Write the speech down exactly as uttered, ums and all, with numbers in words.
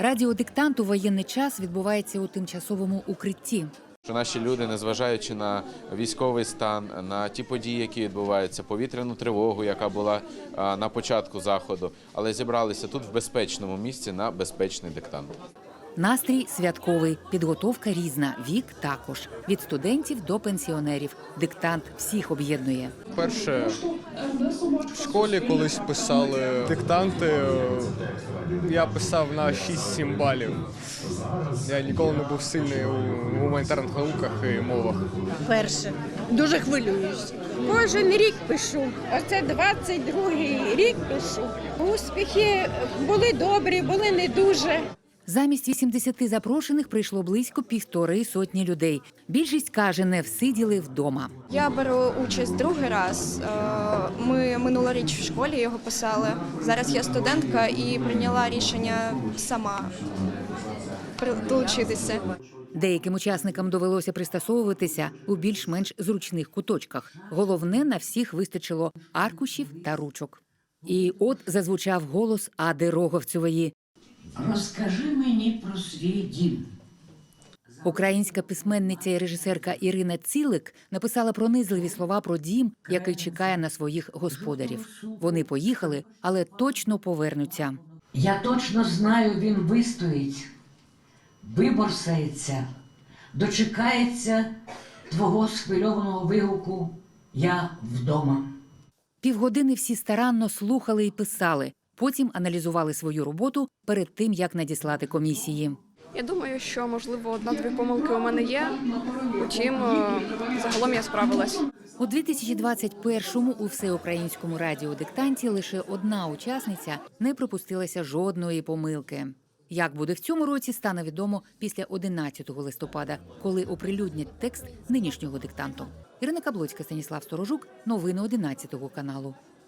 Радіодиктант у воєнний час відбувається у тимчасовому укритті. Що наші люди, незважаючи на військовий стан, на ті події, які відбуваються, повітряну тривогу, яка була на початку заходу, але зібралися тут в безпечному місці на безпечний диктант. Настрій святковий, підготовка різна, вік також. Від студентів до пенсіонерів. Диктант всіх об'єднує. Перше, в школі колись писали диктанти, я писав на шість-сім балів. Я ніколи не був сильний у гуманітарних науках і мовах. Перше. Дуже хвилююсь. Кожен рік пишу. Оце двадцять другий рік пишу. Успіхи були добрі, були не дуже. Замість вісімдесяти запрошених прийшло близько півтори сотні людей. Більшість каже, не всиділи вдома. Я беру участь другий раз. Ми минулоріч в школі його писали. Зараз я студентка і прийняла рішення сама долучитися. Деяким учасникам довелося пристосовуватися у більш-менш зручних куточках. Головне, на всіх вистачило аркушів та ручок. І от зазвучав голос Ади Роговцевої. Розкажи мені про свій дім. Українська письменниця і режисерка Ірина Цілик написала пронизливі слова про дім, який чекає на своїх господарів. Вони поїхали, але точно повернуться. Я точно знаю, він вистоїть, виборсається, дочекається твого схвильованого вигуку «Я вдома». Півгодини всі старанно слухали і писали. Потім аналізували свою роботу перед тим, як надіслати комісії. Я думаю, що, можливо, одна-дві помилки у мене є, утім, загалом я справилась. У дві тисячі двадцять першому у всеукраїнському радіодиктанті лише одна учасниця не припустилася жодної помилки. Як буде в цьому році, стане відомо після одинадцятого листопада, коли оприлюднять текст нинішнього диктанту. Ірина Каблоцька, Станіслав Сторожук. Новини одинадцятого каналу.